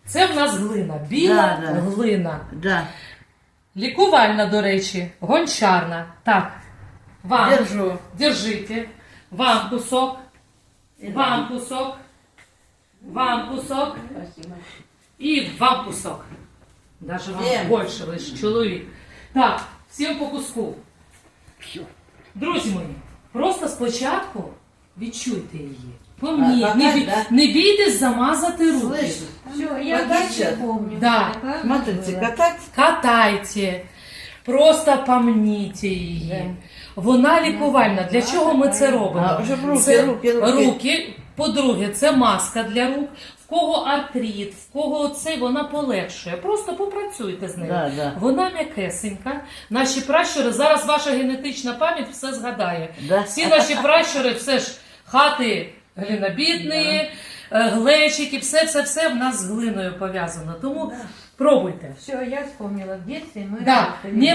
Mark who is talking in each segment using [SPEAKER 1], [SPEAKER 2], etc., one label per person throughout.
[SPEAKER 1] Це в нас глина, біла глина.
[SPEAKER 2] Да.
[SPEAKER 1] Лікувальна, до речі, гончарна. Так, вам,
[SPEAKER 2] Держу.
[SPEAKER 1] держите, вам кусок, вам кусок, вам кусок і вам кусок. Даже вам більше, ви ж чоловік. Так, всім по куску. Друзі мої, просто спочатку відчуйте її. Помніть, не бійтесь замазати руки.
[SPEAKER 3] Все, я дальше помню.
[SPEAKER 1] Да.
[SPEAKER 2] Смотрите, катать.
[SPEAKER 1] Катайте, просто помніть її. Вона лікувальна. Для чого ми це робимо?
[SPEAKER 2] Це
[SPEAKER 1] руки. По-друге, це маска для рук. В кого артрит, в кого цей, вона полегшує. Просто попрацюйте з нею.
[SPEAKER 2] Да.
[SPEAKER 1] Вона м'якесенька. Наші пращури, зараз ваша генетична пам'ять все згадає.
[SPEAKER 2] Да.
[SPEAKER 1] Всі наші пращури, все ж хати глинобітні, глечики, все в нас з глиною пов'язано. Тому пробуйте.
[SPEAKER 3] Все, я вспомнила. В детстве мы...
[SPEAKER 1] Да,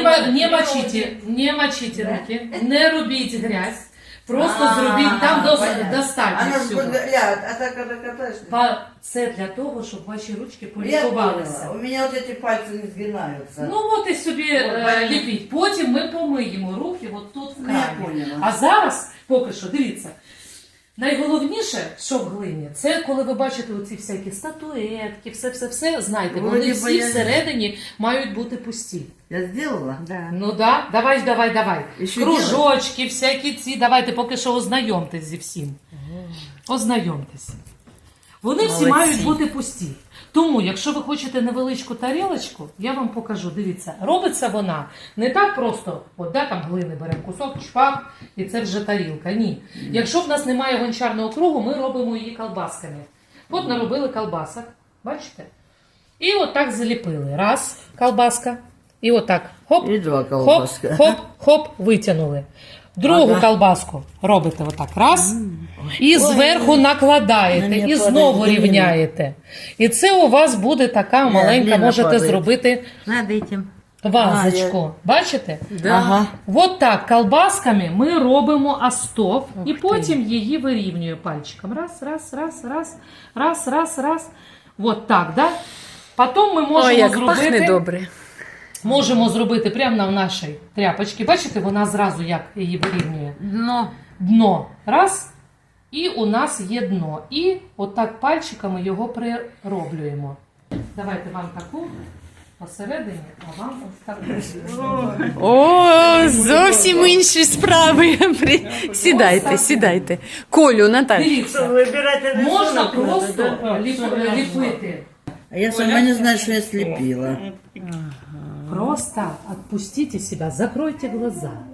[SPEAKER 1] не мочите руки, не робіть грязь. Просто зробіть там достатньо
[SPEAKER 2] Она
[SPEAKER 1] всього.
[SPEAKER 2] а так когда катаешь...
[SPEAKER 1] Це для того, щоб ваші ручки
[SPEAKER 2] Я
[SPEAKER 1] полікувалися.
[SPEAKER 2] поняла. У меня вот эти пальцы не сгинаются.
[SPEAKER 1] Ну от і собі ліпіть. Потім ми помиємо руки от тут в
[SPEAKER 2] Я
[SPEAKER 1] крамі.
[SPEAKER 2] поняла.
[SPEAKER 1] А зараз, поки що, дивіться. Найголовніше, що в глині, це коли ви бачите оці всякі статуетки, все, знайте, вони
[SPEAKER 2] Вроде
[SPEAKER 1] всі
[SPEAKER 2] бы я-
[SPEAKER 1] всередині мають бути пусті.
[SPEAKER 2] Я сделала?
[SPEAKER 3] Да.
[SPEAKER 1] Ну да, давай.
[SPEAKER 2] Ще
[SPEAKER 1] Кружочки, всякі ці, давайте поки що ознайомтесь зі всім. Ознайомтесь. Вони всі мають бути пусті. Тому, якщо ви хочете невеличку тарілочку, я вам покажу. Дивіться, робиться вона не так просто, от там глини беремо кусок, чпак, і це вже тарілка. Ні. Якщо в нас немає гончарного кругу, ми робимо її колбасками. От наробили колбасок, бачите? І отак заліпили. Раз, колбаска. І отак. Хоп,
[SPEAKER 2] І два колбаска.
[SPEAKER 1] хоп, витягнули. Другу колбаску робите отак. Раз. І зверху накладаєте. І знову рівняєте. І це у вас буде така маленька,
[SPEAKER 2] глина
[SPEAKER 1] можете
[SPEAKER 2] падає.
[SPEAKER 1] зробити
[SPEAKER 3] Над этим.
[SPEAKER 1] вазочку. Бачите?
[SPEAKER 2] Ага.
[SPEAKER 1] От так, колбасками ми робимо остов. І потім її вирівнюємо пальчиком. Раз. От так, да? Потім ми можемо зробити... Можемо зробити прямо на нашій тряпочці. Бачите, вона зразу як її вирівнює. Дно. Раз. І у нас є дно. І отак пальчиками його прироблюємо. Давайте вам таку посередині, а вам ось таку.
[SPEAKER 4] О, зовсім інші справи. Сідайте. Колю, Наталя.
[SPEAKER 1] Дивіться, можна просто ліпити.
[SPEAKER 2] А я сама не знаю, что я слепила.
[SPEAKER 1] Просто отпустите себя, закройте глаза.